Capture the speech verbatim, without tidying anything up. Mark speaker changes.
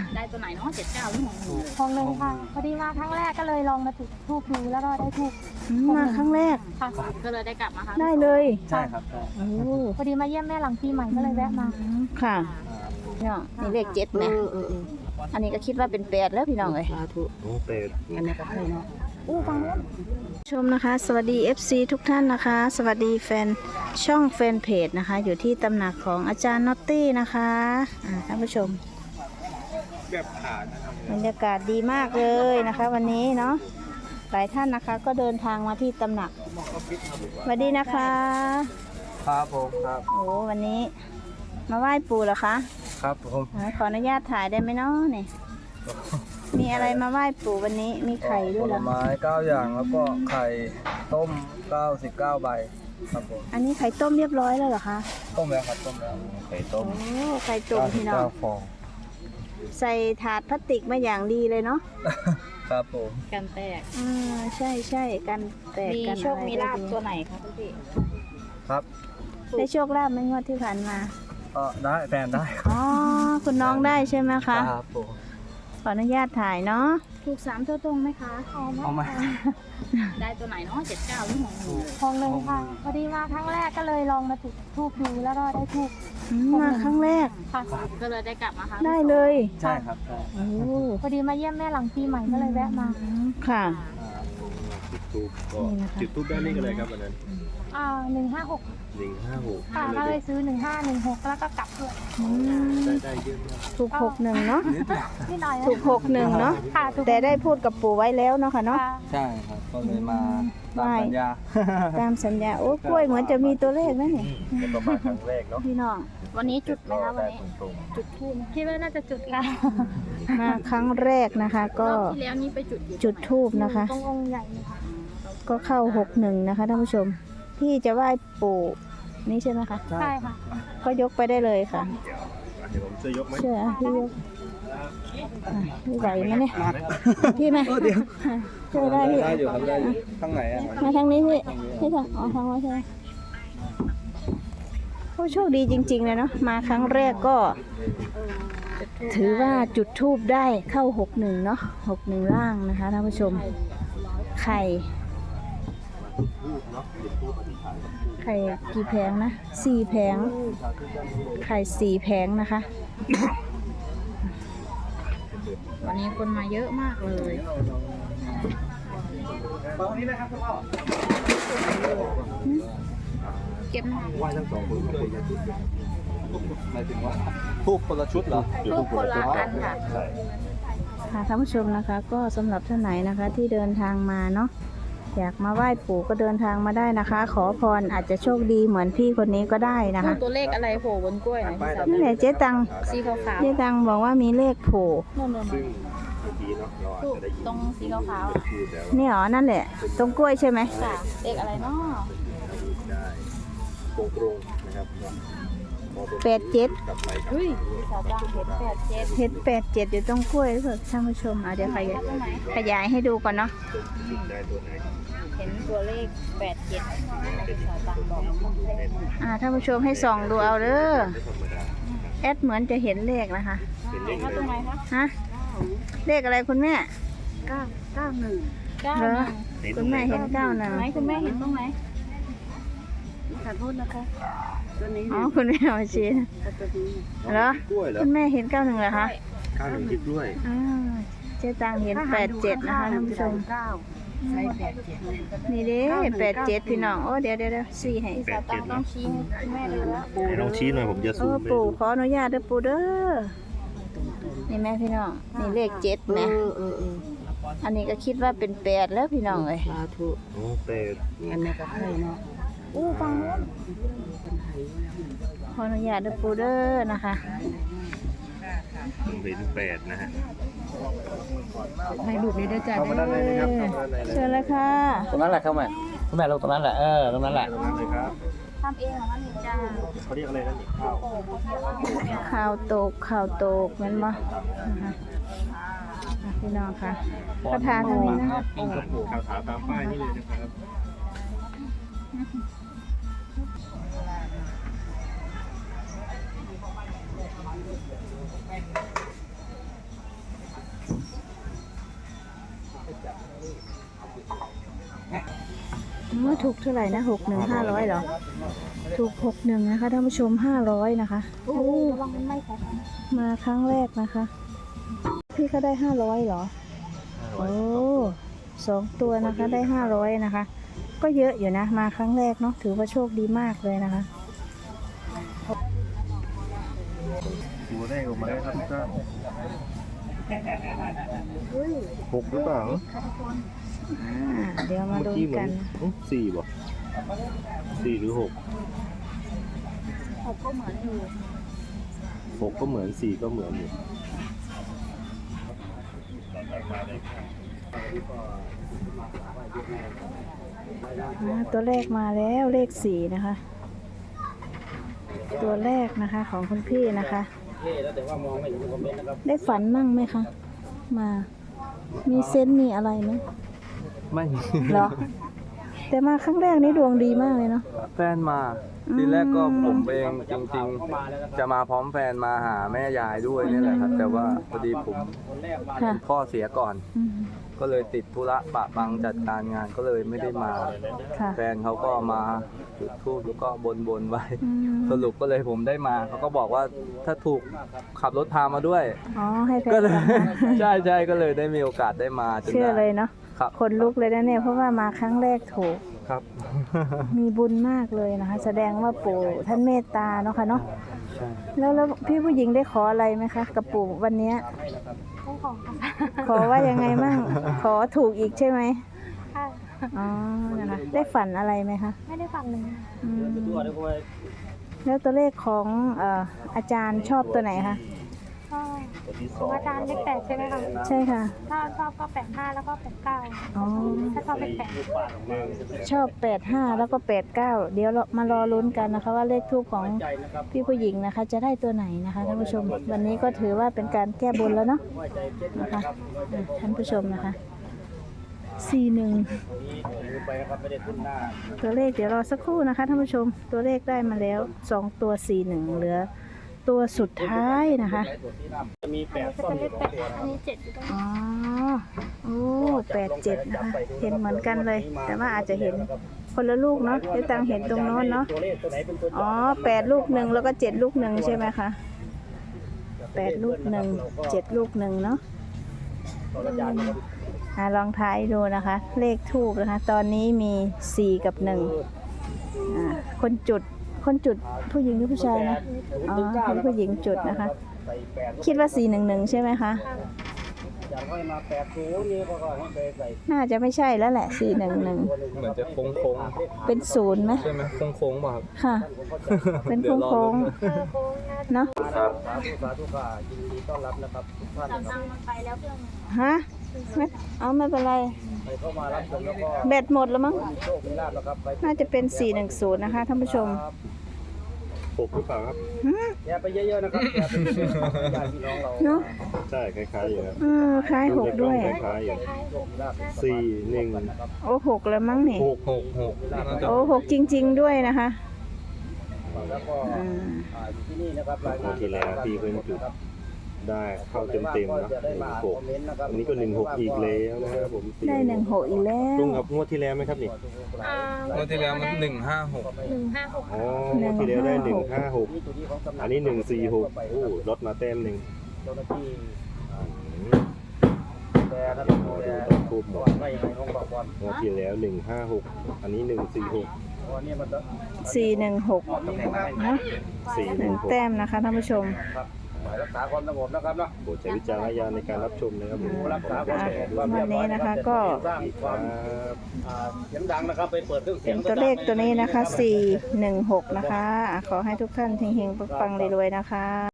Speaker 1: ได้ตัวไหนเนาะเจ็ดเก้าหรือของหนู
Speaker 2: ของหนึ่งค่ะพอดีมาครั้งแรกก็เลยลองมาจุดทูบดูแล้วก็ได้ทูบ
Speaker 3: มาครั้งแรก
Speaker 2: ค่ะ
Speaker 1: ก็เลยได้กลับมาค่ะ
Speaker 3: ได้เลย
Speaker 4: ใช่ครับใช่
Speaker 3: โอ้
Speaker 2: พอดีมาเยี่ยมแม่หลังปีใหม่ก็เลยแวะมา
Speaker 3: ค่ะพี่น้องนี่เลขเจ็ดนะอันนี้ก็คิดว่าเป็นแปดแล้วพี่น้องเลย
Speaker 4: โอ้เป็ด
Speaker 2: อู้ฟังนู้น
Speaker 3: ชมนะคะ สวัสดี เอฟ ซี ทุกท่านนะคะ สวัสดีแฟนช่องแฟนเพจนะคะ อยู่ที่ตำหนักของอาจารย์น็อตตี้นะคะอ่าท่านผู้ชม
Speaker 4: แบบขาดนะครับ
Speaker 3: บรรยากาศดีมากเลยนะคะ วันนี้เนาะหลายท่านนะคะก็เดินทางมาที่ตำหนักสวัสดีนะคะ
Speaker 4: ครับผมครับ
Speaker 3: โอ้วันนี้มาไหว้ปู่เหรอคะ
Speaker 4: ครับผม
Speaker 3: อ่าขออนุญาตถ่ายได้ไหมเนาะนี่มีอะไรมาไหว้ปู่วันนี้มีไข่ด้วย
Speaker 4: ผ
Speaker 3: เหร
Speaker 4: ล
Speaker 3: อ
Speaker 4: ไม้เก้าอย่างแล้วก็ไข่ต้มเก้าสิบเก้าใบครับผม
Speaker 3: อันนี้ไข่ต้มเรียบร้อยแล้วเหรอคะ
Speaker 4: ต้มแล้วครับต้มแล้วไข่ต้ม
Speaker 3: โอ้ไข่ต้มพี่น้อง
Speaker 4: เก้าฟอง
Speaker 3: ใส่ถาดพลาสติกมาอย่างดีเลยเนาะ
Speaker 4: ครับผม
Speaker 1: กันแตก
Speaker 3: อ่าใช่ใช่กันแตก
Speaker 1: มี
Speaker 3: กัน
Speaker 1: โชค
Speaker 3: อะไร
Speaker 1: มีลาบ
Speaker 3: ได้ดี
Speaker 1: ตัวไหนคะพี่
Speaker 4: ครับ
Speaker 3: ได้โชคลาภไหมงวดที่ผ่านมา
Speaker 4: ก็ได้แฟนได้
Speaker 3: อ๋อคุณน้องได้ใช่ไหมคะ
Speaker 4: ครับผม
Speaker 3: ขออนุญาตถ่ายเนาะ
Speaker 1: ถูกสามตัวตรงไหมคะ
Speaker 4: เอามา
Speaker 1: ได้ตัวไหนเนาะเจ็ดเก้าหรือของหนู
Speaker 2: ของหนึ่งค่ะพอดีมาครั้งแรกก็เลยลองมาจุดทูบดูแล้วก็ได้ทูบ
Speaker 3: อืมมาครั้งแรก
Speaker 2: ค่ะ
Speaker 1: ก็เลยได้กลับมาค่ะ
Speaker 3: ได้เลย
Speaker 4: ใช่ครับใช่
Speaker 3: โอ้
Speaker 2: พอดีมาเยี่ยมแม่หลังปีใหม่ก็เลยแวะมา
Speaker 3: ค่ะ
Speaker 5: จุดทูบก็
Speaker 3: นี่นะคะ
Speaker 5: จุดทูบได้เลขอะไรครับวันนั้น
Speaker 2: อ่าหนึ่งห้าหก
Speaker 5: หนึ่งห้าหก
Speaker 2: ค่ะก็เลยซื้อหนึ่งห้าหนึ่งหกแล้วก็กลับด้วย
Speaker 3: อืม
Speaker 5: ได้ได้เยอะมาก
Speaker 3: ถูกหกหนึ่งเนาะ
Speaker 2: นิดหน่อยนะ
Speaker 3: ถูกหกหนึ่งเนาะ
Speaker 2: ค่ะถูก
Speaker 3: แต่ได้พูดกับปู่ไว้แล้วเนาะค่ะเนาะ
Speaker 2: ค่ะ
Speaker 4: ใช่ครับก็เลยมาตามสัญญา
Speaker 3: ตามสัญญาโอ้กล้วยเหมือนจะมีตัวเลขนะนี่
Speaker 5: แล้วก็มาครั้งแรกเนาะ
Speaker 3: พี่น้อง
Speaker 1: วันนี้จุดไหมคะวัน
Speaker 5: ได้
Speaker 1: นี้
Speaker 5: ตรง
Speaker 1: จุดทูบ
Speaker 2: คิดว่าน่าจะจุดค่ะ
Speaker 3: มาครั้งแรกนะคะ ก็
Speaker 1: รอบที่แล้วนี่ไปจุดอยู่
Speaker 3: จุดทูบนะคะ
Speaker 2: ตรงองค์ใหญ่เลยค่ะ
Speaker 3: ก็เข้าหกหนึ่งนะคะท่านผู้ชมพี่จะไหว้ปู่นี่ใช่ไหมคะ
Speaker 2: ใช่ค่ะ
Speaker 3: ก็ยกไปได้เลยค่ะ
Speaker 5: ๆเดี๋ยวผมช่วยยกไหม
Speaker 3: เชื่อพี่ยกอ่ะพี่ไหวไหมเนี่ยพี่ไหมช่วยได้พี่
Speaker 4: ได้อยู่ครับได้อยู่ข้างไหนอ่ะ
Speaker 3: มาทางนี้พี่พี่ทางอ๋อทางว่าใช่ไหมโอ้โชคดีจริงๆเลยเนาะมาครั้งแรกก็ ถือว่าจุดทูบได้เข้าหกหนึ่งเนาะหกหนึ่งล่างนะคะท่านผู้ชม ไข่ไข่กี่แผงนะสี่แผงไข่สี่แผงนะคะ
Speaker 1: วันนี้คนมาเยอะมากเลย
Speaker 4: ตรงนี้นะครับคุณพ่อ
Speaker 1: เก็บหน่อย
Speaker 5: ไหว้ทั้งสองคนเลยอย่าทุบ
Speaker 4: หมายถึงว่าทูบคนละชุดเหรอ
Speaker 1: ทูบคนละอันค่ะ
Speaker 5: ใช่
Speaker 3: ค่ะท่านผู้ชมนะคะ ก็สำหรับท่านไหนนะคะที่เดินทางมาเนาะอยากมาไหว้ปู่ก็เดินทางมาได้นะคะ ขอพรอาจจะโชคดีเหมือนพี่คนนี้ก็ได้นะคะ
Speaker 1: ตัวเลขอะไรโผล่บนกล้วยนะพี่สาว
Speaker 3: นี่แหละเจ๊ตัง
Speaker 1: สีขาว
Speaker 3: เจ๊ตังบอกว่ามีเลขโผล่
Speaker 1: ๆโน่น
Speaker 5: ซึ่งบางทีเนาะเราอาจจะได้ยิน
Speaker 1: ตรงสีขาวๆอ่ะ
Speaker 5: พูดแล้ว
Speaker 3: นี่หรอนั่นแหละ ตรงกล้วยใช่ไหม
Speaker 1: ค่ะเลขอะไรเนาะ
Speaker 5: ได้ตรงตรงๆนะครับ
Speaker 3: แปดเจ็ด
Speaker 5: กลับไปกลับ
Speaker 1: เฮ้ยพี่สาวจ้างเห็นแปดเจ็ด
Speaker 3: เห็นแปดเจ็ดอยู่ตรงกล้วยหรือเปล่าท่านผู้ชมอ่ะเดี๋ยวขยาย
Speaker 1: ตรงไหน
Speaker 3: ขยายให้ดูก่อนเนาะ
Speaker 5: จุดได้ตัวไหน
Speaker 1: เห็นตัวเลขแปดเจ็ดพี่สาวจ้างบอก
Speaker 3: อ่าท่านผู้ชมให้ส่องดูเอาเด้อแอดเหมือนจะเห็นเลขนะคะ
Speaker 5: เป็นเลข
Speaker 1: ถ้าตรงไหนคะ
Speaker 3: ฮะเลขอะไรคุณแม่
Speaker 2: เก้าเก้าหนึ่ง
Speaker 1: เก้า
Speaker 3: เหรอ
Speaker 1: หนึ่ง
Speaker 3: คุณแม่เห็นเก้าหนึ่ง
Speaker 1: ไหนคุณแม่เห็นตรงไหน
Speaker 2: ขอโทษนะคะตัวนี้
Speaker 3: อ๋อคุณแม่เอามาชี้
Speaker 2: ตัวนี้
Speaker 3: เหรอก
Speaker 5: ล้วยเหรอ
Speaker 3: คุณแม่เห็นเก้าหนึ่งเหรอคะ
Speaker 5: ข้าวหนึ่งคิดด้วย
Speaker 3: อ่าเจ๊ตังเห็นแปดเจ็ดนะคะท่านผู้ชม
Speaker 2: เก้าใช่แปดเจ็ด
Speaker 3: นี่เด้แปดเจ็ดพี่น้องโอ้เดี๋ยวเดี๋ยวเดี๋ยวสี่ให้
Speaker 1: สาวจ้างต้องชี้ให้แม่ดูแล้ว
Speaker 5: ไหนลองชี้หน่อยผมจะ
Speaker 3: เอ
Speaker 5: ซู
Speaker 3: อ
Speaker 5: มไป
Speaker 3: ปู่ขออนุญาตเด้อปู่เด้อนี่แม่พี่น้องนี่เลขเจ็ดนะอันนี้ก็คิดว่าเป็นแปดแล้วพี่น้องเลย
Speaker 4: สาธุ
Speaker 5: โอ้เป็ด
Speaker 4: อันนี้ก็ให้เนาะ
Speaker 2: อู้ฟังนู้น
Speaker 3: ขออนุญาตเด้อปู่เด้อนะคะ
Speaker 5: ผมเห็นเป็ดนะฮะ
Speaker 3: ให้ลูกนี้ได้จ้า
Speaker 5: เข้ามาด้านในเลยครับเข้ามาด้านในเลย
Speaker 3: เชิญเลยค่ะ
Speaker 4: ตรงนั้นแหละเข้ามาคุณแม่ลงตรงนั้นแหละเออตรงนั้นแหละ
Speaker 5: ตรงนั้นเลยครับ
Speaker 1: ทำเองเหรอคะนี่จ้า
Speaker 5: เขาเรียกอะไรนะนี่ข้าว
Speaker 3: ข่าวตกข่าวตกแมันบ่นะคะอ่ะพี่น้องค่ะประธานทางนี้นะคะ
Speaker 5: ข่าวสารตามป้ายนี่เลยนะครับ
Speaker 3: ออถูกเท่าไหร่นะหกหนึ่งห้าร้อยเหรอถูกหกหนึ่งนะคะท่านผู้ชมห้าร้อยนะคะโอ้
Speaker 2: ระวังมันไม่ใส่
Speaker 3: มาครั้งแรกนะคะ พี่ก็ได้ห้าร้อยเหรอโอ้สองตัวนะคะได้ห้าร้อยนะคะ ก็เยอะอยู่นะมาครั้งแรกเนาะถือว่าโชคดีมากเลยนะคะ
Speaker 5: ตัวแรกออกมาได้ครับทุกท่านหกหรือเปล่า
Speaker 3: อ่าเดี๋ยวมาดู
Speaker 5: เมื่อกี้เหมื
Speaker 3: กั
Speaker 5: อน
Speaker 3: น
Speaker 5: อื้อสี่บ่สี่หรือหก
Speaker 1: หกก็เหมือนอยู่
Speaker 5: หกก็เหมือนสี่ก็เหมือนอยู่
Speaker 3: อ่าตัวเลขมาแล้วเลขสี่นะคะ ตัวแรกนะคะของคุณพี่นะคะ ได้ฝันมั่งไหมคะ มา มีเซนต์มีอะไรไหม
Speaker 4: ไม่
Speaker 3: เหรอ แต่มาครั้งแรกนี้ดวงดีมากเลยเนาะ
Speaker 4: แฟนมา
Speaker 3: อืม
Speaker 4: ทีแรกก็ผมเองจริงๆ จะมาพร้อมแฟนมาหาแม่ยายด้วยนี่แหละครับ แต่ว่าพอดีผม
Speaker 3: ค่ะ
Speaker 4: พ่อเสียก่อน
Speaker 3: อืม
Speaker 4: ก็เลยติดธุระปะปังจัดการงานก็เลยไม่ได้มา
Speaker 3: ค่ะ
Speaker 4: แฟนเขาก็มาจุดธูปแล้วก็บนบนๆไว้
Speaker 3: อืม
Speaker 4: สรุปก็เลยผมได้มาเขาก็บอกว่าถ้าถูกขับรถพามาด้วย
Speaker 3: อ๋อให้แฟน
Speaker 4: ก็เลย
Speaker 3: กลับมา
Speaker 4: ใช่ใช่ก็เลยได้มีโอกาสได้มาจน
Speaker 3: เชื่อ
Speaker 4: ได้
Speaker 3: เลยเนาะ
Speaker 4: ครับ
Speaker 3: คนลุกเลยนะเนี่ยเพราะว่ามาครั้งแรกถูก
Speaker 4: ครับ
Speaker 3: มีบุญมากเลยนะคะ แสดงว่าปู่ท่านเมตตาเนาะค่ะเนาะ
Speaker 4: ใช่
Speaker 3: แล้วแล้วพี่ผู้หญิงได้ขออะไรไหมคะกับปู่วันเนี้ย
Speaker 2: ต้องของค่ะ
Speaker 3: ขอว่ายังไงมั่ง ขอถูกอีกใช่ไหม
Speaker 2: ค่ะ
Speaker 3: อ๋อนะคะได้ฝันอะไรไหมคะ
Speaker 2: ไม่ได้ฟังเลย
Speaker 3: อืมแล้วตัวเลขของเอ่ออาจารย์ชอบตัวไหนคะ
Speaker 2: ก็ของอาจารย์เลขแปดใช่ไหมคะ
Speaker 3: ใช่ค่ะ
Speaker 2: ถ้าชอบก็แปดห้าแล้วก็แปดเก้า
Speaker 3: อ๋อ
Speaker 2: ถ้าชอบเลขแปด
Speaker 3: ชอบแปดห้าแล้วก็แปดเก้าเดี๋ยวเรามารอลุ้นกันนะคะ ว่าเลขทูปของพี่ผู้หญิงนะคะ จะได้ตัวไหนนะคะท่านผู้ชม วันนี้ก็ถือว่าเป็นการแก้บนแล้วเนาะนะคะอ่ะท่านผู้ชมนะคะสี่หนึ่งตัวเลขเดี๋ยวรอสักครู่นะคะท่านผู้ชมตัวเลขได้มาแล้วสองตัวสี่หนึ่งเหลือตัวสุดท้ายนะคะ
Speaker 2: อันนี้จะเป็นเลขแปดอันนี้เจ็ดอยู่ตรงนี้
Speaker 3: อ๋อโอ้แปดเจ็ดนะคะเห็นเหมือนกันเลย แต่ว่าอาจจะเห็นคนละลูกเนาะเดี๋ยวตังเห็นตรงโน้นเนาะอ๋อแปดลูกหนึ่งแล้วก็เจ็ดลูกหนึ่งใช่ไหมคะแปดลูกหนึ่งเจ็ดลูกหนึ่งเนาะอ่ะลองทายดูนะคะ เลขทูบนะคะ ตอนนี้มีสี่กับหนึ่งอ่าคนจุดคนจุดผู้หญิงหรือผู้ชายนะอ๋อเป็นผู้หญิงจุดนะคะ คิดว่าสี่หนึ่งหนึ่งใช่ไหมคะ น่าจะไม่ใช่แล้วแหละสี่หนึ่งหนึ่ง
Speaker 4: เหมือนจะโค้งโค้ง
Speaker 3: เป็นศูนย์ไหม
Speaker 4: ๆใช่ไหมโค้งโค้งๆป่ะครับ
Speaker 3: ค่ะ เป็น
Speaker 4: ดี๋ยวรอ
Speaker 3: โค้ง
Speaker 4: ลุ้น
Speaker 2: เออโค้งนะ
Speaker 3: ๆเนาะ
Speaker 4: ครับ
Speaker 2: จับตังค์มันไปแล้วเครื่อง
Speaker 3: ฮะไม่เอาไม่เป็นไรแบตหมดแล้วมั้งน่าจะเป็นสี่หนึ่งศูนย์นะคะท่านผู้ชม
Speaker 5: หกหรือเปล่าครับ
Speaker 4: อย่าไปเยอะๆนะครับอย่าไปเยอะๆญาติพี่น้องเรา
Speaker 3: เนาะ
Speaker 5: ใช่คล้ายๆอยู่ครับ
Speaker 3: เออคล้ายหกด้วย
Speaker 5: คล้ายๆอยู่สี่หนึ่ง
Speaker 3: โอ้หกแล้วมั้งนี่
Speaker 4: หกหกหกน่าจะ
Speaker 3: โอ้หกจริง ๆ ด้วยนะคะ
Speaker 4: แล้วก็
Speaker 3: อืม
Speaker 4: อ่าอยู่ที่นี่นะครับราย
Speaker 5: ค
Speaker 4: งาน
Speaker 5: รั้งที่แล้วพี่เพิ่งจุดได้เข้าเต็มๆนะหนึ่งหกอันนี้ก็หนึ่งหกอีกแล้วนะครับผม
Speaker 3: ได้หนึ่งหกอีกแล้ว
Speaker 5: ตรงกับงวดที่แล้วไหมครับนี่
Speaker 2: อ่าง
Speaker 4: วดที่แล้วมันหนึ่งห้าหก
Speaker 2: หนึ่งห้าหก
Speaker 5: อ๋องวดที่แล้วได้หนึ่งห้าหกอันนี้หนึ่งสี่หกโอ้ลดมาแต้มหนึ่ง
Speaker 4: เจ้าหน้าที่
Speaker 5: อืม
Speaker 4: แต่ครับ
Speaker 5: ขอดูต้นทูบหน่อย
Speaker 4: ไม่ให้ห้องบอกก่อน
Speaker 5: งวดที่แล้วหนึ่งห้าหกอันนี้หนึ่งสี่หก
Speaker 4: เพราะว่านี่มันจะ
Speaker 3: สี่หนึ่งหกเนาะ
Speaker 5: สี่ห
Speaker 3: ห
Speaker 5: นึ่
Speaker 3: นึ่
Speaker 5: ง
Speaker 3: ง
Speaker 5: หก
Speaker 3: แต้มนะคะท่านผู้ชม
Speaker 4: ครับหมายรักษาความสงบนะครับเนาะ
Speaker 5: โปรดใช้วิจารณญาณในการรับชมนะครับผม
Speaker 4: รักษาความสงบ
Speaker 3: วันนี้นะคะก็
Speaker 4: สร้างความ
Speaker 5: ครับ
Speaker 4: อ่าเสียงดังนะครับไปเปิดเครื่องเสี
Speaker 3: เป็
Speaker 4: ยง
Speaker 3: นตัวเลขตัวนี้นะคะสี่หนึ่งหกนะคะอ่ะขอให้ทุกท่านเฮงๆปังๆรวยๆนะคะ